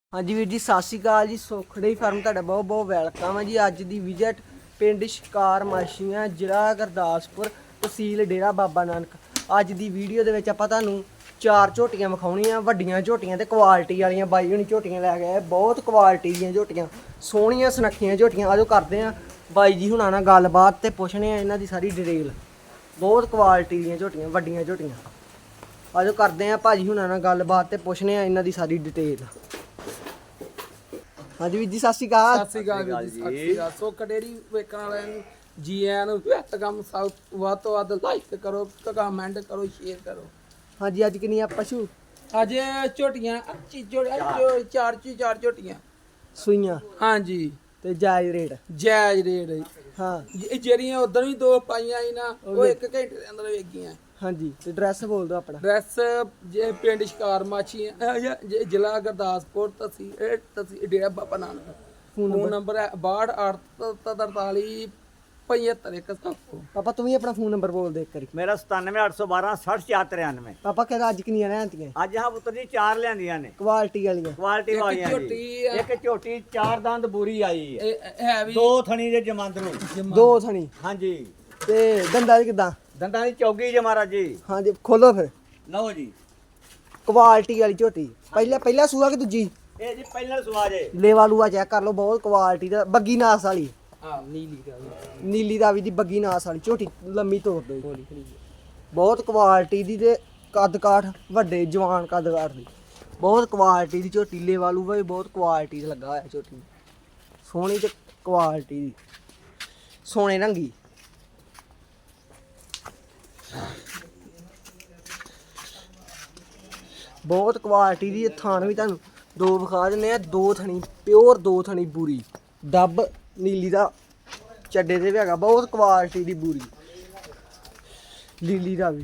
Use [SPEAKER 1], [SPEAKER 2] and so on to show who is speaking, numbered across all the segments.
[SPEAKER 1] हाँ जी वीर जी सत श्री अकाल जी। सुखड़ी फार्म तुहाडा बहुत बहुत वैलकम है जी। अज की विजिट पिंड शिकार माछियां जिला गुरदासपुर तहसील डेरा बाबा नानक। अज की वीडियो दे विच आपां तुहानूं चार झोटियां विखाउणियां वड्डियां झोटियां ते क्वालिटी वालियां बाई हुणी झोटियां लै गए। बहुत क्वालिटी दीयां झोटियां सोहणियां सुनक्खियां झोटियां। आजो करदे आ बाई जी हुणां नाल गलबात ते पुछने आ इन्हां दी सारी डिटेल। बहुत क्वालिटी दीयां झोटियां वड्डियां झोटियां। आजो करदे आ भाजी हुणां नाल गलबात ते पुछने आ इन्हां दी सारी डिटेल। हाँ जी वीर जी सत श्री अकाल।
[SPEAKER 2] सत श्री अकाल ਵੀਰ ਜੀ ਸਤਿ ਸ਼੍ਰੀ ਅਕਾਲ। ਸੋ ਕਡੇਰੀ ਵੇਖਣ ਵਾਲਿਆਂ ਨੂੰ ਜੀ ਆਇਆਂ ਨੂੰ ਕੰਮ ਸਭ ਵੱਧ ਤੋਂ ਵੱਧ ਲਾਈਕ ਕਰੋ ਕਮੈਂਟ ਕਰੋ ਸ਼ੇਅਰ ਕਰੋ।
[SPEAKER 1] हाँ जी अज किन्नियां पशु
[SPEAKER 2] ਅੱਜ ਝੋਟੀਆਂ ਚਾਰ ਝੋਟੀਆਂ
[SPEAKER 1] सूइयां
[SPEAKER 2] ਹਾਂਜੀ
[SPEAKER 1] ते जायज रेट।
[SPEAKER 2] ਜਾਇਜ਼ ਰੇਟ ਹੈ।
[SPEAKER 1] हाँ
[SPEAKER 2] ਜਿਹੜੀਆਂ ਉਧਰ ਵੀ ਦੋ ਪਾਈਆਂ ਸੀ ਨਾ ਉਹ 1 ਘੰਟੇ ਦੇ ਅੰਦਰ ਵੇਚ ਗਈਆਂ।
[SPEAKER 1] हाँ जी ते ड्रैस बोल दो अपना।
[SPEAKER 2] ਡਰੈਸ ਜੇ ਪਿੰਡ ਸ਼ਿਕਾਰ ਮਾਛੀਆਂ ਜ਼ਿਲ੍ਹਾ ਗੁਰਦਾਸਪੁਰ ਤਹਿਸੀਲ ਡੇਰਾ ਬਾਬਾ ਨਾਨਕ। ਫੋਨ ਨੰਬਰ ਹੈ 628343 75
[SPEAKER 1] पापा तुम ही अपना फोन नंबर बोल दे एक करी।
[SPEAKER 3] मेरा 97 812 60 493।
[SPEAKER 1] पापा कहता अज किन्नियां रहंदियां
[SPEAKER 3] ਅੱਜ ਹਾਂ ਪੁੱਤਰ ਜੀ ਚਾਰ ਲਿਆਂਦੀਆਂ ਨੇ
[SPEAKER 1] क्वालिटी वालियां।
[SPEAKER 3] ਕੁਆਲਿਟੀ
[SPEAKER 2] ਇੱਕ
[SPEAKER 3] ਵਾਲੀਆਂ
[SPEAKER 2] ਝੋਟੀ
[SPEAKER 3] ਜੀ। ਇੱਕ ਝੋਟੀ ਚਾਰ ਦੰਦ ਬੂਰੀ ਆਈ ਹੈ,
[SPEAKER 2] ਹੈ ਵੀ
[SPEAKER 3] ਦੋ ਥਣੀ ਦੇ ਜਮਾਂਦਰੂ।
[SPEAKER 1] दो थनी
[SPEAKER 3] ਹਾਂਜੀ
[SPEAKER 1] ते दंदा दी किदां।
[SPEAKER 3] ਦੰਦਾਂ ਦੀ ਚੌਗੀ ਜੇ ਮਹਾਰਾਜ ਜੀ।
[SPEAKER 1] हाँ जी खोलो फिर।
[SPEAKER 3] ਲਓ ਜੀ
[SPEAKER 1] क्वालिटी वाली झोटी पहला सूआ कि दूजी
[SPEAKER 3] ਇਹ ਜੀ ਪਹਿਲਾਂ ਸਵਾਜ ਹੈ।
[SPEAKER 1] लेवा लूआ चेक कर लो। बहुत क्वालिटी दा बग्गी नास वाली
[SPEAKER 2] ਹਾਂ ਨੀਲੀ ਦਾ
[SPEAKER 1] नीली दावी दी बग्गी नास वाली झोटी लम्मी तोड़ दो। बहुत क्वालिटी दी ते कद काठ वड्डे जवान कद काठ दी बहुत क्वालिटी दी झोटी। लेवा लूआ भी बहुत क्वालिटी दा लगा होया झोटी सोहनी ते क्वालिटी दी सोने रंगी। बहुत क्वालिटी दी थान भी तुहानूं दो विखा दिंदे आ। दो थनी प्योर दो थनी बूरी डब नीली दा ਚੱਡੇ ਤੇ ਵੀ ਹੈਗਾ। ਬਹੁਤ ਕੁਆਲਿਟੀ ਦੀ ਬੂਰੀ ਲੀਲੀ ਦਾ ਵੀ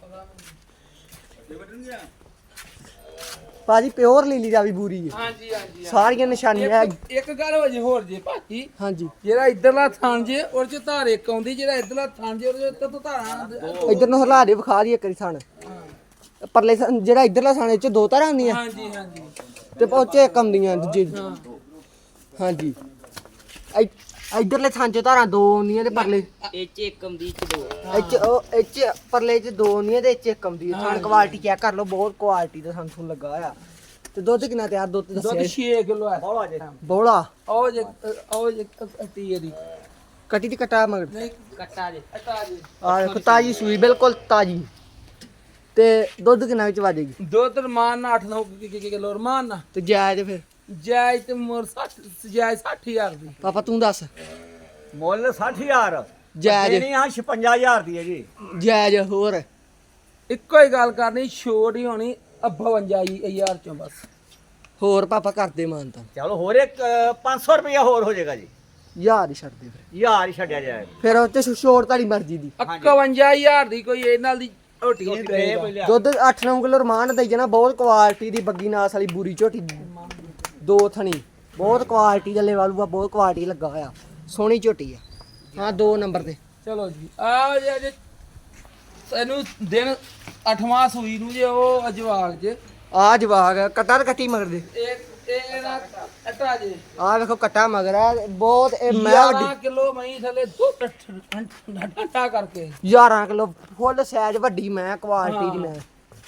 [SPEAKER 1] ਭਾਜੀ ਪਿਓਰ ਲੀਲੀ ਦਾ ਵੀ ਬੂਰੀ ਹੈ।
[SPEAKER 2] ਹਾਂਜੀ ਹਾਂਜੀ
[SPEAKER 1] ਸਾਰੀਆਂ ਨਿਸ਼ਾਨੀਆਂ
[SPEAKER 2] ਇੱਕ ਗੱਲ ਹੋ ਜੇ ਹੋਰ ਜੇ ਭਾਜੀ
[SPEAKER 1] ਹਾਂਜੀ।
[SPEAKER 2] ਜਿਹੜਾ ਇਧਰਲਾ ਥਣ ਜੇ ਉਹ ਚ ਧਾਰ ਇੱਕ ਆਉਂਦੀ ਜਿਹੜਾ ਇਧਰਲਾ ਥਣ ਜੇ ਉਹਦੇ ਉੱਤੇ ਤੋਂ ਧਾਰਾਂ
[SPEAKER 1] ਇਧਰ ਨੂੰ ਹਲਾ ਦੇ ਵਿਖਾ ਦੀ ਇੱਕ ਵਾਰੀ ਥਣ। ਪਰਲੇ ਜਿਹੜਾ ਇਧਰਲਾ ਥਣ ਇਹ ਚ ਦੋ ਧਾਰਾਂ ਆਉਂਦੀਆਂ
[SPEAKER 2] ਹਾਂਜੀ ਹਾਂਜੀ
[SPEAKER 1] ਤੇ ਪਹੁੰਚੇ ਇੱਕ ਆਉਂਦੀਆਂ ਦੂਜੇ
[SPEAKER 2] ਹਾਂ
[SPEAKER 1] ਹਾਂਜੀ। ਇਧਰਲੇ ਥਣ ਚ ਧਾਰਾਂ ਦੋ ਆਉਂਦੀਆਂ ਤੇ ਪਰਲੇ
[SPEAKER 2] ਇਹ ਇੱਕ ਆਉਂਦੀ ਚ ਦੋ
[SPEAKER 1] ਇੱਚ ਪਰਲੇ ਚ ਦੋ ਆਉਂਦੀਆਂ ਤੇ ਇੱਚ ਇੱਕ ਆਉਂਦੀ ਹੈ। ਥਣ ਕੁਆਲਿਟੀ ਚੈੱਕ ਕਰ ਲਓ। ਬਹੁਤ ਕੁਆਲਿਟੀ ਦਾ ਸਾਨੂੰ ਲੱਗਾ ਹੋਇਆ। ਤੇ ਦੁੱਧ ਕਿੰਨਾ ਤਿਆਰ ਦੁੱਧ
[SPEAKER 2] ਦੁੱਧ
[SPEAKER 1] ਦੱਸਿਆ
[SPEAKER 2] 6 ਕਿਲੋ ਹੈ
[SPEAKER 3] ਬੋਲਾ ਜੀ
[SPEAKER 1] ਬੋਲਾ
[SPEAKER 2] ਉਹ ਜੇ ਕੱਟੀ ਇਹਦੀ
[SPEAKER 1] ਕਟੀ ਦੀ ਕਟਾ ਮਗਰ
[SPEAKER 2] ਨਹੀਂ ਕੱਟਾ ਜੇ ਕੱਟਾ ਜੇ
[SPEAKER 1] ਆ ਦੇਖੋ ਤਾਜੀ ਸੂਈ ਬਿਲਕੁਲ ਤਾਜੀ। ਤੇ ਦੁੱਧ ਕਿੰਨਾ ਵਿੱਚ ਵਾਜੇਗੀ।
[SPEAKER 2] ਦੁੱਧ ਰਮਾਨ ਨਾਲ 8-9 ਕਿਲੋ ਰਮਾਨ ਨਾਲ
[SPEAKER 1] ਤੇ ਜਾਇਜ਼ ਫਿਰ
[SPEAKER 2] ਜਾਇਜ਼ ਤੇ ਮੋਰ 60 ਜਾਇਜ਼ 60000 ਦੀ।
[SPEAKER 1] ਪਾਪਾ ਤੂੰ ਦੱਸ।
[SPEAKER 3] ਮੁੱਲ 60000
[SPEAKER 1] ਜਾਇਜ਼
[SPEAKER 3] ਦੇਣੀ ਆ 56000 ਦੀ ਹੈ ਜੀ।
[SPEAKER 1] ਜਾਇਜ਼ ਹੋਰ
[SPEAKER 2] ਇੱਕੋ ਹੀ ਗੱਲ ਕਰਨੀ ਛੋਟ ਹੀ ਹੋਣੀ 52000 ਚੋਂ ਬਸ।
[SPEAKER 1] ਹੋਰ ਪਾਪਾ ਕਰਦੇ ਮਾਨਤਾ
[SPEAKER 3] ਚਲੋ ਹੋਰ ਇੱਕ 500 ਰੁਪਇਆ ਹੋਰ ਹੋ ਜਾਏਗਾ ਜੀ।
[SPEAKER 1] ਯਾਰ ਹੀ ਛੱਡ ਦੇ ਫਿਰ।
[SPEAKER 3] ਯਾਰ ਹੀ ਛੱਡਿਆ ਜਾਏਗਾ।
[SPEAKER 1] ਫਿਰ ਉਹ ਤੇ ਛੋੜ ਤੁਹਾਡੀ ਮਰਜ਼ੀ ਦੀ।
[SPEAKER 2] 51000 ਦੀ ਕੋਈ ਇਹ ਨਾਲ ਦੀ ਝੋਟੀ ਨਹੀਂ ਦੇਗਾ।
[SPEAKER 1] ਦੁੱਧ 8-9 ਕਿਲੋ ਰਮਾਨ ਦੇਈ ਜਾਣਾ। ਬਹੁਤ ਕੁਆਲਿਟੀ ਦੀ ਬੱਗੀ ਨਾਸ ਵਾਲੀ ਬੂਰੀ ਝੋਟੀ ਦੋ ਥਣੀ ਬਹੁਤ ਕੁਆਲਿਟੀ ਦਾ ਲੈਵਲ ਬਹੁਤ ਕੁਆਲਿਟੀ ਲੱਗਾ ਹੋਇਆ। ਸੋਹਣੀ ਝੋਟੀ ਆ। ਹਾਂ 2 ਨੰਬਰ ਤੇ
[SPEAKER 2] ਚਲੋ ਜੀ ਆ ਜੇ ਇਹਨੂੰ ਦਿਨ 8ਵਾਂ ਸੂਈ ਨੂੰ ਜੇ ਉਹ ਜਵਾਗ ਜੇ
[SPEAKER 1] ਆ ਜਵਾਗ ਕਟਾ ਤੇ ਕੱਟੀ ਮਗਰ ਦੇ।
[SPEAKER 2] ਇਹ ਨਾ ਅਟਾ ਜੇ
[SPEAKER 1] ਆ ਵੇਖੋ ਕੱਟਾ ਮਗਰ ਆ ਬਹੁਤ। ਇਹ ਮੈਂ
[SPEAKER 2] 11
[SPEAKER 1] ਵੱਡੀ
[SPEAKER 2] ਕਿਲੋ ਮਹੀਂ ਥੱਲੇ ਦੁੱਧ ਠੰਡਾ ਕਰਕੇ
[SPEAKER 1] 11 ਕਿਲੋ ਫੁੱਲ ਸਾਈਜ਼ ਵੱਡੀ ਮੈਂ ਕੁਆਲਿਟੀ ਦੀ ਮੈਂ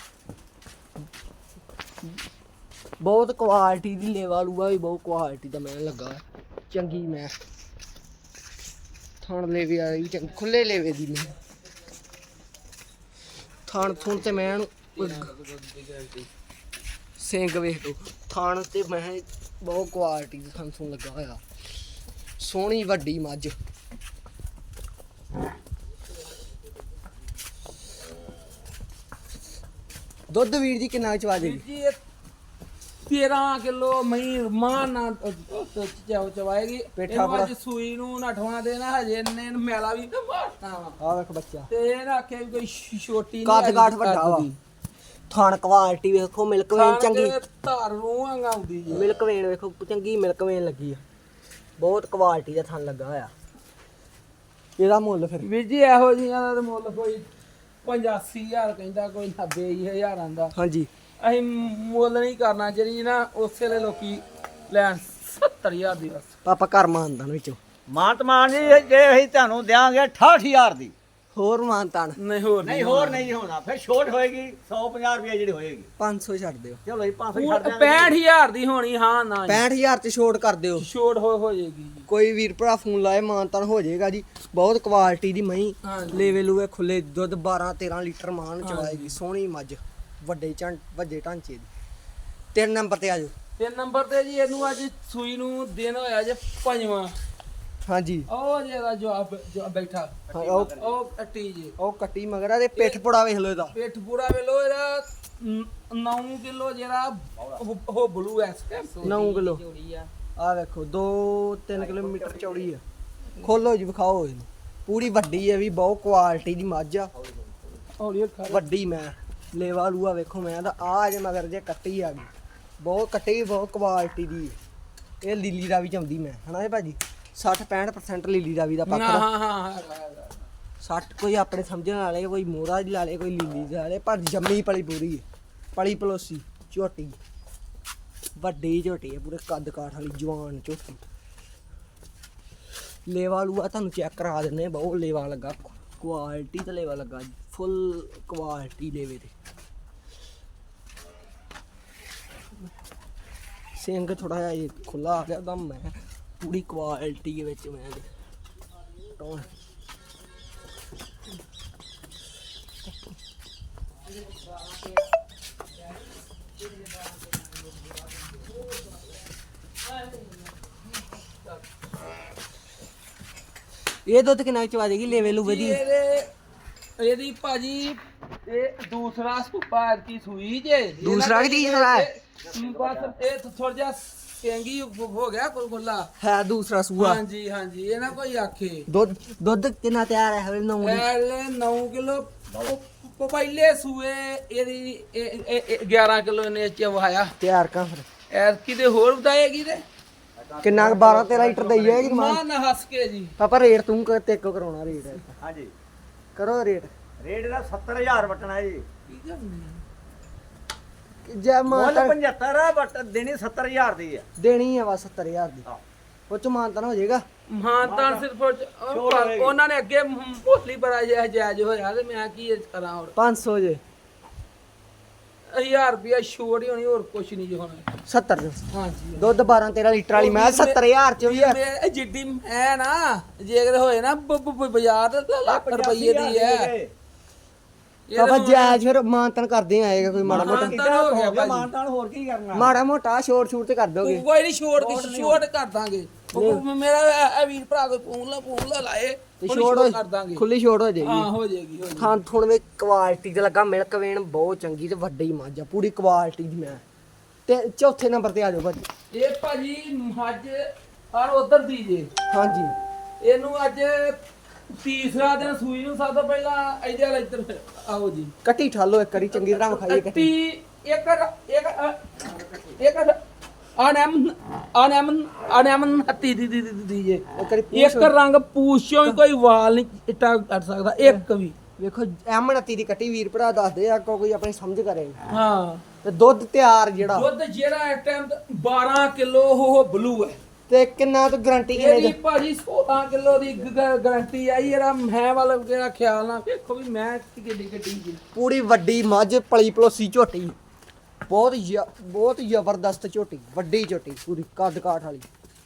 [SPEAKER 1] ਬਹੁਤ ਕੁਆਲਿਟੀ ਦੀ ਲੇਵਾ ਲੂਆ ਵੀ ਬਹੁਤ ਕੁਆਲਿਟੀ ਦਾ ਮੈਂ ਲੱਗਾ ਚੰਗੀ ਮੈਂ ਥਣ ਲੇਵੇ ਵਾਲੀ ਵੀ ਚੰਗੀ ਖੁੱਲੇ ਲੇਵੇ ਦੀ ਮੈਂ ਥਣ ਥੁਣ ਤੇ ਮੈਂ ਸਿੰਘ ਵੇਖ ਲੋ ਥਣ ਤੇ ਮੈਂ ਬਹੁਤ ਕੁਆਲਿਟੀ ਦਾ ਥਣ ਥੁਣ ਲੱਗਾ ਹੋਇਆ। ਸੋਹਣੀ ਵੱਡੀ ਮੱਝ ਦੁੱਧ ਵੀਰ ਜੀ ਕਿੰਨਾ ਚਵਾ ਦੇਗੀ।
[SPEAKER 2] ਜੀ 13 ਕਿਲੋ ਮਹੀਂ ਮਾਂ ਨਾ ਚਵਾਏਗੀ।
[SPEAKER 1] ਪੇਠਾ
[SPEAKER 2] ਅੱਜ ਸੂਈ ਨੂੰ 8ਵਾਂ ਦੇਣਾ ਹਜੇ ਇਹਨੇ ਮੈਲਾ ਵੀ ਨਾ ਮਾਰਨਾ ਵਾ।
[SPEAKER 1] ਆ ਵੇਖ ਬੱਚਾ
[SPEAKER 2] ਤੇ ਇਹ ਨਾ ਆਖੇ ਵੀ ਕੋਈ ਛੋਟੀ ਨਹੀਂ
[SPEAKER 1] ਕੱਦ ਕਾਠ ਵੱਡਾ ਵਾ। ਥਣ ਕੁਆਲਿਟੀ ਵੇਖੋ ਮਿਲਕ ਵੇਨ ਚੰਗੀ।
[SPEAKER 2] ਧਾਰ ਨੂੰ ਆਉਂਦੀ ਜੀ।
[SPEAKER 1] ਮਿਲਕ ਵੇਨ ਵੇਖੋ ਚੰਗੀ ਮਿਲਕ ਵੇਨ ਲੱਗੀ ਆ। ਬਹੁਤ ਕੁਆਲਿਟੀ ਦਾ ਥਣ ਲੱਗਾ ਹੋਇਆ। ਇਹਦਾ ਮੁੱਲ ਫਿਰ
[SPEAKER 2] ਵੀਰ ਜੀ ਇਹੋ ਜਿਹੀਆਂ ਦਾ ਮੁੱਲ ਕੋਈ 85000 ਕਹਿੰਦਾ ਕੋਈ 90000 ਆਂਦਾ।
[SPEAKER 1] ਹਾਂਜੀ
[SPEAKER 2] ਅਸੀਂ ਮੁੱਲ ਨਹੀਂ ਕਰਨਾ, ਜਿਹੜੀ ਨਾ ਉਸੇ ਵੇਲੇ ਲੋਕੀ ਲੈਣ 70000 ਦੀ ਬਸ।
[SPEAKER 1] ਪਾਪਾ ਘਰ ਮਾਨਦਾਨ ਵਿੱਚੋਂ
[SPEAKER 3] ਮਾਨ ਜੀ ਜੇ ਅਸੀਂ ਤੁਹਾਨੂੰ ਦਿਆਂਗੇ 68000 ਦੀ।
[SPEAKER 1] ਹੋਰ ਮਾਨਤਾਨ
[SPEAKER 2] ਨਹੀਂ ਹੋਰ
[SPEAKER 3] ਨਹੀਂ ਹੋਰ ਨਹੀਂ ਹੋਣਾ, ਫਿਰ ਛੋਟ ਹੋਏਗੀ 150 ਰੁਪਏ ਜਿਹੜੀ ਹੋਏਗੀ।
[SPEAKER 1] 500 ਛੱਡ ਦਿਓ।
[SPEAKER 3] ਚਲੋ ਜੀ 500 ਛੱਡ ਦਿਆਂਗੇ।
[SPEAKER 2] 65000 ਦੀ ਹੋਣੀ, ਹਾਂ ਨਾ
[SPEAKER 1] 65000 ਚ ਛੋਟ ਕਰ ਦਿਓ।
[SPEAKER 2] ਛੋਟ ਹੋ ਜਾਏਗੀ ਜੀ।
[SPEAKER 1] ਕੋਈ ਵੀਰ ਭਰਾ ਫੋਨ ਲਾਏ ਮਾਨਤਾਨ ਹੋ ਜਾਏਗਾ ਜੀ। ਬਹੁਤ ਕੁਆਲਿਟੀ ਦੀ ਮਹੀਂ,
[SPEAKER 2] ਹਾਂਜੀ।
[SPEAKER 1] ਲੇਵੇ ਲੂਵੇ ਖੁੱਲੇ, ਦੁੱਧ 12-13 ਲੀਟਰ ਮਾਨ ਚਵਾਏਗੀ। ਸੋਹਣੀ ਮੱਝ, ਵੱਡੇ ਢਾਂਚੇ ਦੀ। 3 ਨੰਬਰ ਤੇ ਆ ਜਾਓ।
[SPEAKER 2] 3 ਨੰਬਰ ਤੇ ਜੀ ਇਹਨੂੰ ਅੱਜ ਸੂਈ ਨੂੰ ਦਿਨ ਹੋਇਆ ਜੇ 5ਵਾਂ।
[SPEAKER 1] ਹਾਂਜੀ
[SPEAKER 2] ਉਹ ਜਿਹੜਾ ਜਵਾਬ ਬੈਠਾ
[SPEAKER 1] ਹਾਂ,
[SPEAKER 2] ਉਹ ਕੱਟੀ ਜੀ,
[SPEAKER 1] ਉਹ ਕੱਟੀ ਮਗਰ ਆ ਤੇ ਪਿੱਠ ਪੁੜਾ ਵੇਖ ਲਓ ਇਹਦਾ।
[SPEAKER 2] ਪੇਟ ਪੂਰਾ ਵੇਲੋ ਇਹਦਾ 9 ਕਿਲੋ ਜਿਹੜਾ ਉਹ ਬਲੂ ਐਸ
[SPEAKER 1] 9 ਕਿਲੋ ਆ ਵੇਖੋ 2-3 ਕਿਲੋਮੀਟਰ ਚੌੜੀ ਆ। ਖੋਲੋ ਜੀ ਵਿਖਾਓ ਇਹਨੂੰ। ਪੂਰੀ ਵੱਡੀ ਹੈ ਵੀ, ਬਹੁਤ ਕੁਆਲਿਟੀ ਦੀ ਮੱਝ ਆ।
[SPEAKER 2] ਹੌਲੀ
[SPEAKER 1] ਵੱਡੀ ਮੈਂ ਲੇਵਾ ਲੂਆ ਵੇਖੋ ਮੈਂ ਦਾ ਆ ਜੇ ਮਗਰ ਜੇ ਕੱਟੀ ਆ ਗਈ। ਬਹੁਤ ਕੱਟੀ ਵੀ ਬਹੁਤ ਕੁਆਲਿਟੀ ਦੀ ਹੈ। ਇਹ ਲੀਲੀ ਰਾਵੀ ਚ ਆਉਂਦੀ ਮੈਂ ਹਨਾ ਇਹ ਭਾਜੀ 60-65% ਲੀਲੀ ਰਾਵੀ ਦਾ
[SPEAKER 2] ਹਾਂ
[SPEAKER 1] ਪੱਖਾ।
[SPEAKER 2] ਹਾਂ ਹਾਂ
[SPEAKER 1] 60 ਕੋਈ ਆਪਣੇ ਸਮਝਣ ਵਾਲੇ, ਕੋਈ ਮੋਹਰਾ ਦੀ ਲਾ ਲੇ, ਕੋਈ ਲੀਲੀ ਦੀ ਲਾ ਲੇ, ਪਰ ਜੰਮੀ ਪਲੀ ਪੂਰੀ ਹੈ। ਪਲੀ ਪਲੋਸੀ ਝੋਟੀ, ਵੱਡੀ ਝੋਟੀ ਹੈ, ਪੂਰੇ ਕੱਦ ਕਾਠ ਵਾਲੀ ਜਵਾਨ ਝੋਟੀ। ਲੇਵਾ ਲੂਆ ਤੁਹਾਨੂੰ ਚੈੱਕ ਕਰਾ ਦਿੰਨੇ, ਬਹੁਤ ਲੇਵਾ ਲੱਗਾ, ਕੁਆਲਿਟੀ ਤੇ ਲੇਵਾ ਲੱਗਾ, ਫੁੱਲ ਕੁਆਲਿਟੀ ਲੇਵੇ ਤੇ। ਸਿੰਘ ਥੋੜਾ ਜਿਹਾ ਇਹ ਖੁੱਲਾ ਆ ਗਿਆ ਤਾਂ ਮੈਂ ਪੂਰੀ ਕੁਆਲਿਟੀ ਦੇ ਵਿੱਚ ਮੈਂ ਟੌਣ ਇਹ ਦੁੱਧ ਕਿੰਨਾ ਕੁ ਚਵਾ ਦੇਗੀ ਲੇਵੇ ਲੂਵੇ ਦੀ?
[SPEAKER 2] ਇਹਦੀ ਭਾਜੀ ਇਹ ਦੂਸਰਾ ਸੁਪਾ ਕੀ ਸੂਈ ਜੇ
[SPEAKER 1] ਦੂਸਰਾ ਕੀ ਤੀਸਰਾ ਹੈ?
[SPEAKER 2] ਬਸ ਇਹ ਥੋੜਾ ਜਿਹਾ ਸਿੰਗੀ ਹੋ ਗਿਆ ਕੁੱਲਾ।
[SPEAKER 1] ਹੈ ਦੂਸਰਾ ਸੂਆ।
[SPEAKER 2] ਹਾਂਜੀ ਹਾਂਜੀ, ਇਹ ਨਾ ਕੋਈ ਆਖੇ।
[SPEAKER 1] ਦੁੱਧ ਕਿੰਨਾ ਤਿਆਰ ਹੈ ਹਲੇ?
[SPEAKER 2] 9 ਕਿਲੋ ਪਹਿਲੇ ਸੂਏ ਇਹਦੀ 11 ਕਿਲੋ ਇਹਨੇ ਚਵਾਇਆ
[SPEAKER 1] ਤਿਆਰ ਕਾ ਫਿਰ
[SPEAKER 2] ਐਰ ਕਿਤੇ ਹੋਰ ਵਧਾਏਗੀ ਤੇ
[SPEAKER 1] ਕਿੰਨਾ 12-13 ਲੀਟਰ ਦਈ ਜਾਏਗੀ
[SPEAKER 2] ਮਾਂ ਨਾ ਹੱਸ ਕੇ ਜੀ।
[SPEAKER 1] ਪਾਪਾ ਰੇਟ ਤੂੰ ਤੇ ਕੋ ਕਰਾਉਣਾ ਰੇਟ
[SPEAKER 3] ਹਾਂਜੀ
[SPEAKER 1] ਕਰੋ ਰੇਟ
[SPEAKER 3] ਰੇਟ ਦਾ 70000 ਵਟਣਾ ਜੀ।
[SPEAKER 1] ਜੇ
[SPEAKER 3] ਮੁੱਲ
[SPEAKER 1] ਮਾਨਤਾ
[SPEAKER 3] 75 ਆ ਬਟ ਦੇਣੀ 70000 ਦੀ ਆ।
[SPEAKER 1] ਦੇਣੀ ਆ ਵਾ 70000 ਦੀ।
[SPEAKER 3] ਹਾਂ।
[SPEAKER 1] ਉਹ ਚ ਮਾਨਤਾ ਹੋ ਜਾਏਗਾ।
[SPEAKER 2] ਹਾਂ ਤਾਂ ਸਿਰਫ ਉਹਨਾਂ ਨੇ ਅੱਗੇ ਮੋਸਟਲੀ ਬੜਾ ਜਾਇਜ਼ ਹੋਇਆ ਤੇ ਮੈਂ ਕੀ ਕਰਾਂ ਹੋਰ।
[SPEAKER 1] 500 ਜੇ
[SPEAKER 2] 1000 ਰੁਪਿਆ ਛੋੜ ਹੀ ਹੋਣੀ, ਹੋਰ ਕੁਛ ਨਹੀਂ ਜੀ ਹੋਣਾ।
[SPEAKER 1] 70 ਦੇ
[SPEAKER 2] ਹਾਂਜੀ
[SPEAKER 1] ਦੁੱਧ 12-13 ਲੀਟਰ ਵਾਲੀ ਮੈਂ 70000 ਚ ਵੀ
[SPEAKER 2] ਇਹ ਜਿੱਡੀ ਹੈ ਨਾ, ਜੇ ਅਗਰ ਹੋਏ ਨਾ ਬਾਜ਼ਾਰ ਤੇ ਲੱਖ ਰੁਪਏ ਦੀ ਹੈ।
[SPEAKER 1] ਪਾਪਾ ਜਾਇਜ਼ ਫਿਰ ਮਾਨਤਨ ਕਰਦੇ ਆਏਗਾ ਕੋਈ ਮਾੜਾ ਮੋਟਾ?
[SPEAKER 3] ਮਾਨਤਾਨ ਹੋਰ ਕੀ ਕਰਨਾ।
[SPEAKER 1] ਮਾੜਾ ਮੋਟਾ ਛੋਟ ਛੂਟ ਤੇ ਕਰ ਦੋਗੇ?
[SPEAKER 2] ਕੋਈ ਨਹੀਂ, ਛੋੜ ਕਰ ਦਾਂਗੇ। ਮੇਰਾ ਇਹ ਵੀਰ ਭਰਾ ਕੋਈ ਫੋਨ ਲਾ ਲਾਏ
[SPEAKER 1] ਤੇ
[SPEAKER 2] ਉਹਨੂੰ
[SPEAKER 1] ਛੋੜ
[SPEAKER 2] ਕਰ ਦਾਂਗੇ।
[SPEAKER 1] ਖੁੱਲੀ ਛੋਟ ਹੋ ਜਾਏਗੀ।
[SPEAKER 2] ਹਾਂ ਹੋ ਜਾਏਗੀ ਹੋ ਜਾਏਗੀ।
[SPEAKER 1] ਥਾਂ ਥੁਣ ਵਿੱਚ ਕੁਆਲਿਟੀ ਤੇ ਲੱਗਾ, ਮਿਲਕ ਵੇਨ ਬਹੁਤ ਚੰਗੀ ਤੇ ਵੱਡੀ ਮੱਝ ਆ, ਪੂਰੀ ਕੁਆਲਿਟੀ ਦੀ ਮੈਂ। ਤੇ ਚੌਥੇ ਨੰਬਰ ਤੇ ਆ ਜਾਓ ਭਾਜੀ।
[SPEAKER 2] ਇਹ ਭਾਜੀ ਮੱਝ ਆਰ ਉਧਰ ਦੀ ਜੇ।
[SPEAKER 1] ਹਾਂਜੀ
[SPEAKER 2] ਇਹਨੂੰ ਅੱਜ ਤੀਸਰਾ ਦਿਨ ਸੂਈ ਨੂੰ ਸਭ ਤੋਂ ਪਹਿਲਾਂ ਇਹਦੇ ਵਾਲਾ ਇੱਧਰ ਆਓ ਜੀ।
[SPEAKER 1] ਕੱਟੀ ਠਾਲੋ ਇੱਕ ਵਾਰੀ ਚੰਗੀ ਤਰ੍ਹਾਂ ਵਿਖਾਈਏ ਕੱਟੀ।
[SPEAKER 2] ਇੱਕ ਅਨਮ ਹੱਤੀ ਦੀ ਜੇ।
[SPEAKER 1] ਇੱਕ ਵਾਰੀ
[SPEAKER 2] ਇੱਕ ਰੰਗ ਪੂਛੋਂ ਹੀ ਕੋਈ ਵਾਲ ਨਹੀਂ ਇੱਟਾ ਕੱਟ ਸਕਦਾ ਇੱਕ ਵੀ।
[SPEAKER 1] ਵੇਖੋ ਐਮਣਤੀ ਦੀ ਕੱਟੀ ਵੀਰ ਭਰਾ ਦੱਸਦੇ ਆ, ਕੋਈ ਆਪਣੀ ਸਮਝ ਕਰੇ।
[SPEAKER 2] ਹਾਂ
[SPEAKER 1] ਤੇ ਦੁੱਧ ਤਿਆਰ ਜਿਹੜਾ
[SPEAKER 2] ਦੁੱਧ ਜਿਹੜਾ ਇਸ ਟਾਈਮ 12 ਕਿਲੋ ਉਹ ਬਲੂ ਹੈ।
[SPEAKER 1] ਤੇ ਕਿੰਨਾ ਤੋਂ ਗਾਰੰਟੀ
[SPEAKER 2] ਇਹਦੀ
[SPEAKER 1] ਕਿੰਨੇ
[SPEAKER 2] ਭਾਜੀ 16 ਕਿਲੋ ਦੀ ਗਾਰੰਟੀ ਆਈ। ਇਹਦਾ ਮੈਂ ਵਾਲਾ ਜਿਹੜਾ ਖਿਆਲ ਨਾਲ ਵੇਖੋ ਵੀ ਮੈਂ ਕਿੱਡੀ ਗੱਡੀ ਜੀ।
[SPEAKER 1] ਪੂਰੀ ਵੱਡੀ ਮੱਝ ਪਲੀ ਪਲੋਸੀ ਝੋਟੀ, ਬਹੁਤ ਜ਼ਬਰਦਸਤ ਝੋਟੀ, ਵੱਡੀ ਝੋਟੀ, ਪੂਰੀ ਕੱਦ ਕਾਠ ਵਾਲੀ,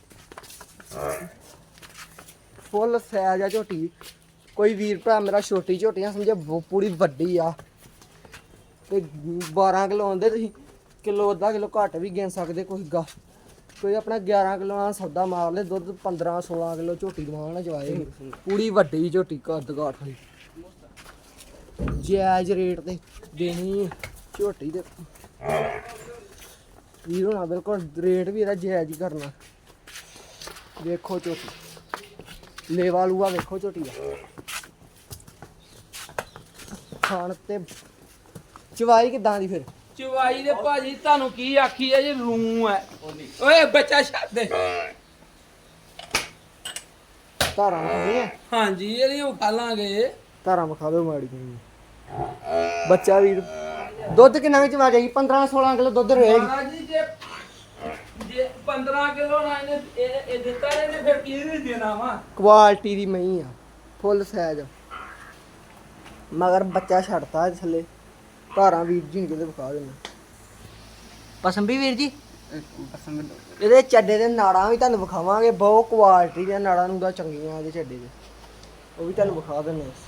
[SPEAKER 1] ਫੁੱਲ ਸਾਈਜ਼ ਆ ਝੋਟੀ। ਕੋਈ ਵੀਰ ਭਰਾ ਮੇਰਾ ਛੋਟੀ ਝੋਟੀਆਂ ਸਮਝੇ ਪੂਰੀ ਵੱਡੀ ਆ। ਤੇ 12 ਕਿਲੋ ਆਉਂਦੇ, ਤੁਸੀਂ ਕਿਲੋ ਅੱਧਾ ਕਿਲੋ ਘੱਟ ਵੀ ਗਿਣ ਸਕਦੇ। ਕੋਈ ਆਪਣਾ 11 ਕਿਲੋ ਨਾਲ ਸੌਦਾ ਮਾਰ ਲੈ, ਦੁੱਧ 15-16 ਕਿਲੋ ਝੋਟੀ ਦਵਾਨ ਨਾ ਜਵਾਏ। ਪੂਰੀ ਵੱਡੀ ਝੋਟੀ ਕੱਦ ਕਾਠ ਵਾਲੀ, ਜਾਇਜ਼ ਰੇਟ ਤੇ ਦੇਣੀ ਝੋਟੀ ਦੇ ਵੀਰ ਹੋਣਾ। ਬਿਲਕੁਲ ਰੇਟ ਵੀ ਇਹਦਾ ਜਾਇਜ਼ ਹੀ ਕਰਨਾ। ਵੇਖੋ ਝੋਟੀ, ਲੇਵਾ ਲੂਆ ਵੇਖੋ ਝੋਟੀ ਦਾ। ਖਾਣ ਤੇ ਚਵਾਈ ਕਿਦਾਂ ਦੀ ਫਿਰ?
[SPEAKER 2] ਚਵਾਈ ਦੇ ਭਾਜੀ ਤੁਹਾਨੂੰ ਕੀ ਆਖੀ ਹੈ ਜੀ, ਰੂ ਹੈ। ਓਏ ਬੱਚਾ ਛੱਡ ਦੇ।
[SPEAKER 1] ਧਾਰਾਂ ਖਾਣੀਆਂ?
[SPEAKER 2] ਹਾਂਜੀ ਇਹਦੀ ਉਹ ਖਾ ਲਾਂਗੇ।
[SPEAKER 1] ਧਾਰਾਂ ਵਿਖਾ ਦਿਓ ਮਾੜੀ ਜਿਹੀ। ਬੱਚਾ ਵੀਰ ਦੁੱਧ ਕਿੰਨਾ ਵਿੱਚ ਆ ਜਾਏਗੀ 15 16 ਕਿਲੋ ਦੁੱਧ ਰਹੇਗੀ
[SPEAKER 2] ਮਹਾਰਾਜ ਜੀ ਜੇ 15 ਕਿਲੋ ਨਾ ਇਹਨੇ ਇਹ ਦਿੱਤਾ ਇਹਨੇ ਫਿਰ ਕੀ ਨਹੀਂ ਦੇਣਾ ਵਾ।
[SPEAKER 1] ਕੁਆਲਿਟੀ ਦੀ ਮਹੀਂ ਆ ਫੁੱਲ ਸਾਈਜ਼ ਮਗਰ ਬੱਚਾ ਛੱਡਤਾ ਇਹਦੇ ਥੱਲੇ ਧਾਰਾਂ ਵੀਰ ਜੀ ਨੂੰ ਕਿਤੇ ਵਿਖਾ ਦੇਣਾ ਪਸੰਦ ਵੀ ਵੀਰ ਜੀ ਇਹਦੇ ਚੱਡੇ ਦੇ ਨਾੜਾਂ ਵੀ ਤੁਹਾਨੂੰ ਵਿਖਾਵਾਂਗੇ ਬਹੁਤ ਕੁਆਲਿਟੀ ਦੀਆਂ ਨਾੜਾਂ ਨੂੰ ਦਾ ਚੰਗੀਆਂ ਇਹਦੇ ਚੱਡੇ ਦੇ ਉਹ ਵੀ ਤੁਹਾਨੂੰ ਵਿਖਾ ਦਿੰਦੇ ਹਾਂ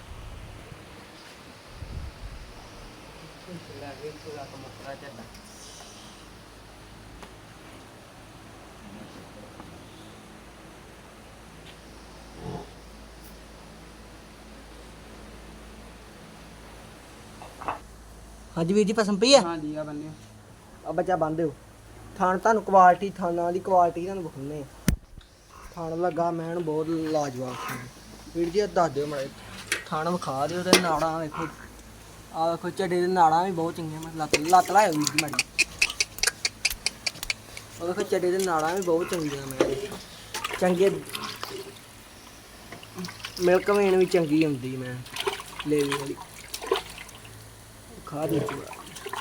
[SPEAKER 1] ਹਾਂਜੀ ਵੀਰ ਜੀ ਪਸੰਦ ਪਈ ਆ
[SPEAKER 2] ਹਾਂਜੀ ਆ ਬੰਨੇ
[SPEAKER 1] ਆ ਬੱਚਾ ਬੰਨ੍ਹ ਦਿਓ ਥਣ ਤੁਹਾਨੂੰ ਕੁਆਲਿਟੀ ਥਾਨਾਂ ਦੀ ਕੁਆਲਿਟੀ ਤੁਹਾਨੂੰ ਵਿਖਾਉਂਦੇ ਆ ਥਣ ਲੱਗਾ ਮੈਂ ਬਹੁਤ ਲਾਜਵਾਬ ਸੀ ਵੀਰ ਜੀ ਦੱਸ ਦਿਓ ਮਾੜੇ ਥਣ ਵਿਖਾ ਦਿਓ ਤੇ ਨਾੜਾਂ ਵੇਖੋ ਆ ਵੇਖੋ ਝੱਡੇ ਦੇ ਨਾੜਾਂ ਵੀ ਬਹੁਤ ਚੰਗੀਆਂ ਮੈਂ ਲੱਤ ਲਾਇਓ ਵੀਰ ਜੀ ਮਾੜੀ ਉਹ ਵੇਖੋ ਝੱਡੇ ਦੇ ਨਾੜਾਂ ਵੀ ਬਹੁਤ ਚੰਗੀਆਂ ਮੈਂ ਚੰਗੇ ਮਿਲਕ ਵੇਣ ਵੀ ਚੰਗੀ ਹੁੰਦੀ ਮੈਂ ਲੇਵੀ ਵਾਲੀ ਖਾ ਦੇ ਚੂੜਾ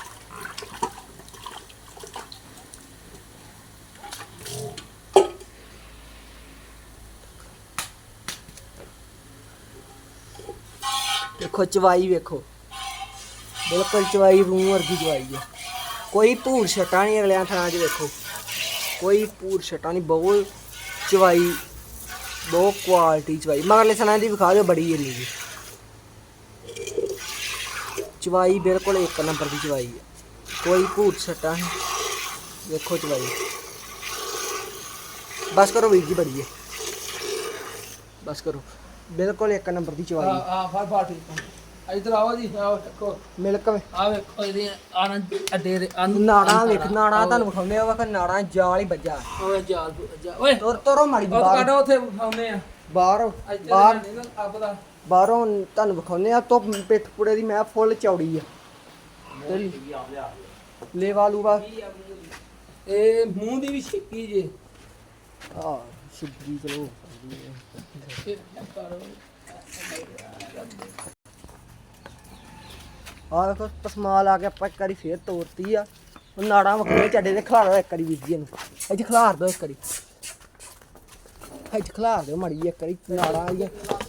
[SPEAKER 1] ਦੇਖੋ ਚਵਾਈ ਵੇਖੋ ਬਿਲਕੁਲ ਚਵਾਈ ਰੂਹ ਵਰਗੀ ਚਵਾਈ ਹੈ ਕੋਈ ਭੂਰ ਛਟਾ ਨਹੀਂ ਅਗਲਿਆਂ ਥਾਂ 'ਚ ਵੇਖੋ ਕੋਈ ਭੂਰ ਛਟਾ ਨਹੀਂ ਬਹੁਤ ਚਵਾਈ ਬਹੁਤ ਕੁਆਲਿਟੀ ਚਵਾਈ ਮਗਰਲੇ ਸਨਾਂ ਦੀ ਵਿਖਾ ਦਿਓ ਬੜੀ ਏਰੀ ਦੀ ਚਵਾਈ ਬਿਲਕੁਲ ਇੱਕ ਨੰਬਰ ਦੀ ਚਵਾਈ ਹੈ ਕੋਈ ਭੂਤ ਛਟਾ ਨਹੀਂ ਵੇਖੋ ਚਵਾਈ ਬਸ ਕਰੋ ਵੀਰ ਜੀ ਬੜੀ ਹੈ ਬਸ ਕਰੋ ਬਿਲਕੁਲ ਇੱਕ ਨੰਬਰ ਦੀ ਚਵਾਈ
[SPEAKER 2] ਆ ਫੜ ਫੜ ਠੀਕ ਇਧਰ ਆਓ ਜੀ ਆਓ ਦੇਖੋ
[SPEAKER 1] ਮਿਲਕ
[SPEAKER 2] ਆ ਵੇਖੋ ਇਹਦੀ ਆਨੰਦ ਅੱਡੇ ਦੇ
[SPEAKER 1] ਨਾੜਾਂ ਵੇਖ ਨਾੜਾਂ ਤੁਹਾਨੂੰ ਵਿਖਾਉਂਦੇ ਆ ਵਾ ਨਾੜਾਂ ਜਾਲ ਹੀ ਵੱਜਾ
[SPEAKER 2] ਓਏ ਜਾ ਓਏ
[SPEAKER 1] ਤੁਰੋ ਮਾੜੀ
[SPEAKER 2] ਉਹ
[SPEAKER 1] ਬਾਹਰ
[SPEAKER 2] ਕਾਡੋ ਉੱਥੇ ਵਿਖਾਉਂਦੇ ਆ
[SPEAKER 1] ਬਾਹਰ
[SPEAKER 2] ਇੱਥੇ
[SPEAKER 1] ਬਾਹਰ
[SPEAKER 2] ਨਹੀਂ ਨਾ ਅੱਬ ਦਾ
[SPEAKER 1] ਬਾਹਰੋਂ ਤੁਹਾਨੂੰ ਵਿਖਾਉਂਦੇ ਆ ਤੋਂ ਪਿੱਠ ਪੁੜੇ ਦੀ ਮੈਂ ਫੁੱਲ ਚੌੜੀ ਆ ਲੇਵਾ ਲੂਵਾ
[SPEAKER 2] ਇਹ ਮੂੰਹ ਦੀ ਵੀ ਛਿੱਕੀ ਜੇ
[SPEAKER 1] ਆ ਸ਼ੁਭਜੀ ਚਲੋ ਆ ਵੇਖੋ ਪਸਮਾਲ ਆ ਕੇ ਆਪਾਂ ਇੱਕ ਵਾਰੀ ਫੇਰ ਤੋੜਤੀ ਆ ਉਹ ਨਾੜਾਂ ਵਖਰੇ ਚੱਡੇ ਦੇ ਖਿਲਾਰ ਦੋ ਇੱਕ ਵਾਰੀ ਵੀਰ ਜੀ ਇਹਨੂੰ ਇੱਥੇ ਖਿਲਾਰ ਦੋ ਇੱਕ ਵਾਰੀ ਇੱਥੇ ਖਿਲਾਰ ਦਿਓ ਮਾੜੀ ਇੱਕ ਵਾਰੀ ਨਾੜਾਂ ਆਈਆਂ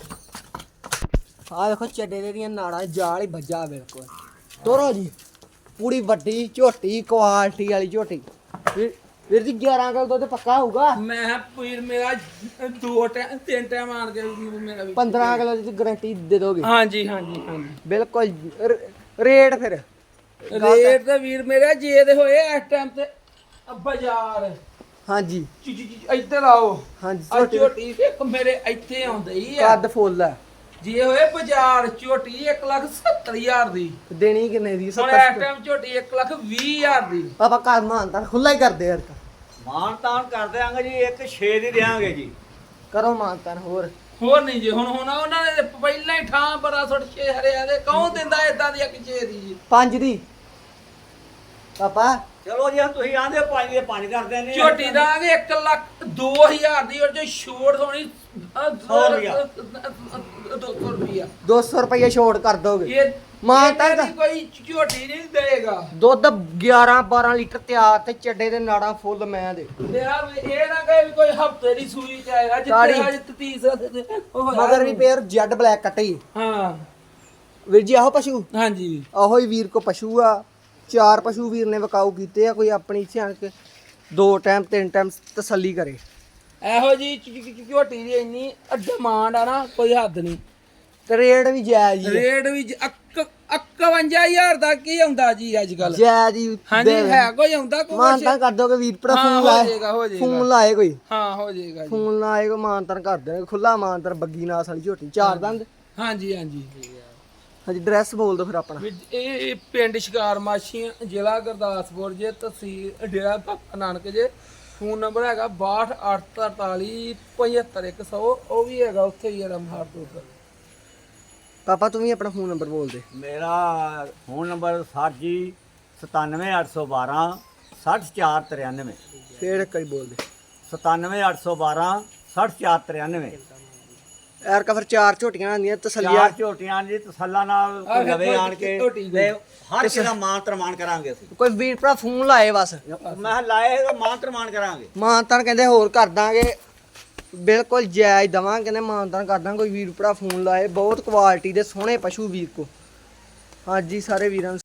[SPEAKER 1] ਆ ਵੇਖੋ ਚੱਡੇ ਦੇ ਦੀਆਂ ਨਾੜਾਂ ਜਾਲ ਹੀ ਵੱਜਾ ਬਿਲਕੁਲ ਤੋਰੋ ਜੀ ਪੂਰੀ ਵੱਡੀ ਝੋਟੀ ਕੁਆਲਿਟੀ ਵਾਲੀ ਝੋਟੀ ਵੀਰ ਜੀ 11 ਕਿਲੋ ਦੁੱਧ ਪੱਕਾ ਹੋਊਗਾ
[SPEAKER 2] ਮੈਂ ਪੀਰ ਮੇਰਾ ਦੋ ਟਾਈਮ ਤਿੰਨ ਟਾਈਮ ਆਣ ਕੇ ਮੇਰਾ ਵੀ
[SPEAKER 1] 15 ਕਿਲੋ ਦੀ ਗਾਰੰਟੀ ਦੇ ਦੋਗੇ
[SPEAKER 2] ਹਾਂਜੀ ਹਾਂਜੀ ਹਾਂਜੀ
[SPEAKER 1] ਬਿਲਕੁਲ ਰੇਟ ਫਿਰ
[SPEAKER 2] ਰੇਟ ਤੇ ਵੀਰ ਮੇਰਾ ਜੇ ਦੇ ਹੋਏ ਇਸ ਟਾਈਮ ਤੇ ਬਾਜ਼ਾਰ
[SPEAKER 1] ਹਾਂਜੀ
[SPEAKER 2] ਇੱਧਰ ਆਓ
[SPEAKER 1] ਹਾਂਜੀ
[SPEAKER 2] ਆ ਝੋਟੀ ਵੇਖ ਮੇਰੇ ਇੱਥੇ ਆਉਂਦੇ ਹੀ ਆ
[SPEAKER 1] ਕੱਦ ਫੁੱਲ ਆ
[SPEAKER 2] ਜੇ ਹੋਏ ਬਾਜ਼ਾਰ ਝੋਟੀ 1,70,000 ਦੀ
[SPEAKER 1] ਦੇਣੀ ਕਿੰਨੇ ਦੀ
[SPEAKER 2] ਹੁਣ
[SPEAKER 1] 70
[SPEAKER 2] ਇਸ ਟਾਈਮ ਝੋਟੀ 1,20,000 ਦੀ
[SPEAKER 1] ਆਪਾਂ ਘਰ ਮਾਨਤਾਨ ਖੁੱਲਾ ਹੀ ਕਰਦੇ ਯਾਰ
[SPEAKER 3] ਮਾਨ ਤਾਨ ਕਰ ਦਿਆਂਗੇ ਜੀ ਇੱਕ 6 ਦੀ ਦਿਆਂਗੇ ਜੀ
[SPEAKER 1] ਕਰੋ ਮਾਨਤਾਨ ਹੋਰ
[SPEAKER 2] ਨਹੀਂ ਜੀ ਹੁਣ ਉਹਨਾਂ ਨੇ ਪਹਿਲਾਂ ਹੀ ਠਾਂ ਬੜਾ ਸੁੱਟ ਛੇ ਹਰਿਆ ਦੇ ਕੌਣ ਦਿੰਦਾ ਇਦਾਂ ਦੀ ਇੱਕ ਛੇ ਦੀ ਜੀ
[SPEAKER 1] 5 ਦੀ ਪਾਪਾ
[SPEAKER 3] ਚਲੋ ਜੀ ਹੁਣ ਤੁਸੀਂ ਆਂਦੇ 5 ਦੇ 5 ਕਰ ਦਿੰਦੇ
[SPEAKER 2] ਝੋਟੀ ਦਾਂਗੇ 1,02,000 ਦੀ ਔਰ ਜੋ ਛੋੜ ਹੋਣੀ
[SPEAKER 3] 100 ਰੁਪਇਆ।
[SPEAKER 2] 200 ਰੁਪਿਆ
[SPEAKER 1] 200 ਰੁਪਏ ਛੋੜ ਕਰ ਦੋਗੇ
[SPEAKER 2] ਇਹ
[SPEAKER 1] ਮਾਨਤਾਨ
[SPEAKER 2] ਇਹਦਾ ਦੀ ਕੋਈ ਝੋਟੀ ਨਹੀਂ ਦੇਗਾ
[SPEAKER 1] ਦੁੱਧ 11 12 ਲੀਟਰ ਤਿਆਰ ਤੇ ਚੱਡੇ ਦੇ ਨਾੜਾਂ ਫੁੱਲ ਮੈਂ ਦੇ
[SPEAKER 2] ਮੇਰਾ ਇਹ ਨਾ ਕਹੇ ਵੀ ਕੋਈ ਹਫਤੇ ਦੀ ਸੂਈ ਚ ਆਏਗਾ
[SPEAKER 1] ਤਾੜੀ।
[SPEAKER 2] ਜਿੱਥੇ ਅੱਜ ਤੀਸਰਾ ਉਹ ਹੋਇਆ
[SPEAKER 1] ਮਗਰ ਵੀ ਪੇਰ ਜੈਡ ਬਲੈਕ ਕੱਟੀ
[SPEAKER 2] ਹਾਂ
[SPEAKER 1] ਵੀਰ ਜੀ ਆਹੋ ਪਸ਼ੂ
[SPEAKER 2] ਹਾਂਜੀ
[SPEAKER 1] ਆਹੋ ਹੀ ਵੀਰ ਕੋ ਪਸ਼ੂ ਆ 4 ਪਸ਼ੂ ਵੀਰ ਨੇ ਵਿਕਾਊ ਕੀਤੇ ਆ ਕੋਈ ਆਪਣੀ ਸਿਆਣ ਕੇ 2 ਟਾਈਮ 3 ਟਾਈਮ ਤਸੱਲੀ ਕਰੇ
[SPEAKER 2] ਇਹੋ ਜੀ ਝੋਟੀ ਦੀ ਇੰਨੀ ਡਿਮਾਂਡ ਆ ਨਾ ਕੋਈ ਹੱਦ ਨਹੀਂ
[SPEAKER 1] ਤੇ ਰੇਟ ਵੀ ਜਾਇਜ਼ ਹੀ
[SPEAKER 2] ਰੇਟ ਵੀ 51,000 ਦਾ ਕੀ ਆਉਂਦਾ ਜੀ ਅੱਜ ਕੱਲ
[SPEAKER 1] ਜਾਇਜ਼ ਹੀ
[SPEAKER 2] ਹਾਂਜੀ ਹੈ ਕੋਈ ਆਉਂਦਾ ਕੋਈ
[SPEAKER 1] ਮਾਨਤਾਨ ਕਰ ਦੋਗੇ ਵੀਰ ਭਰਾ
[SPEAKER 2] ਹਾਂ,
[SPEAKER 1] ਫੋਨ
[SPEAKER 2] ਹੋ
[SPEAKER 1] ਲਾਏ
[SPEAKER 2] ਜਾਏਗਾ, ਹੋ ਜਾਏਗਾ।
[SPEAKER 1] ਫੋਨ ਲਾਏ ਕੋਈ
[SPEAKER 2] ਹਾਂ ਹੋ ਜਾਏਗਾ ਜੀ
[SPEAKER 1] ਫੋਨ ਲਾਏ ਕੋਈ ਮਾਨਤਾਨ ਕਰ ਦੇਣਗੇ ਖੁੱਲਾ ਮਾਨਤਾਨ ਬੱਗੀ ਨਾਸ ਵਾਲੀ ਝੋਟੀ 4 ਦੰਦ
[SPEAKER 2] ਹਾਂਜੀ ਹਾਂਜੀ
[SPEAKER 1] ਹਾਂਜੀ ਡਰੈਸ ਬੋਲ ਦੋ ਫਿਰ ਆਪਣਾ
[SPEAKER 2] ਵੀ ਇਹ ਪਿੰਡ ਸ਼ਿਕਾਰ ਮਾਛੀਆਂ ਜ਼ਿਲ੍ਹਾ ਗੁਰਦਾਸਪੁਰ ਜੇ ਤਹਿਸੀਲ ਡੇਰਾ ਬਾਬਾ ਨਾਨਕ ਜੇ ਫੋਨ ਨੰਬਰ ਹੈਗਾ 6284475100 ਉਹ ਵੀ ਹੈਗਾ ਉੱਥੇ ਹੀ ਹੈ ਰਮਹਾਰ ਤੋਂ
[SPEAKER 1] ਪਾਪਾ ਤੂੰ ਵੀ ਆਪਣਾ ਫੋਨ ਨੰਬਰ ਬੋਲ ਦੇ
[SPEAKER 3] ਮੇਰਾ ਫੋਨ ਨੰਬਰ 60 ਜੀ 97812 60493
[SPEAKER 1] ਫੇਰ ਇੱਕ ਵਾਰੀ ਬੋਲ ਦੇ
[SPEAKER 3] 97812 60493
[SPEAKER 1] ਐਰਕਾ ਫਿਰ 4 ਝੋਟੀਆਂ ਆਂਦੀਆਂ ਤਸੱਲੀਆਂ।
[SPEAKER 3] 4 ਝੋਟੀਆਂ ਦੀ ਤਸੱਲਾ ਨਾਲ
[SPEAKER 2] ਆਹ
[SPEAKER 3] ਲਵੇ
[SPEAKER 2] ਵੇਖੋ
[SPEAKER 3] ਆਣ ਕੇ
[SPEAKER 2] ਝੋਟੀ
[SPEAKER 3] ਤੇ ਹਰ ਕਿਸੇ ਦਾ ਮਾਨ ਤਰਮਾਨ ਕਰਾਂਗੇ ਅਸੀਂ।
[SPEAKER 1] ਕੋਈ ਵੀਰ ਭਰਾ ਫੋਨ ਲਾਏ ਬਸ
[SPEAKER 3] ਮੈਂ ਕਿਹਾ ਲਾਏ ਤਾਂ ਮਾਨ ਤਰਮਾਨ ਕਰਾਂਗੇ।
[SPEAKER 1] ਮਾਨਤਾਨ ਕਹਿੰਦੇ ਹੋਰ ਕਰ ਦਾਂਗੇ, ਬਿਲਕੁਲ ਜਾਇਜ਼ ਦਵਾਂਗੇ, ਕਹਿੰਦੇ ਮਾਨਤਾਨ ਕਰ ਦਾਂਗੇ। ਕੋਈ ਵੀਰ ਭਰਾ ਫੋਨ ਲਾਏ, ਬਹੁਤ ਕੁਆਲਿਟੀ ਦੇ ਸੋਹਣੇ ਪਸ਼ੂ ਵੀਰ ਕੋ। ਹਾਂਜੀ ਸਾਰੇ ਵੀਰਾਂ ਨੂੰ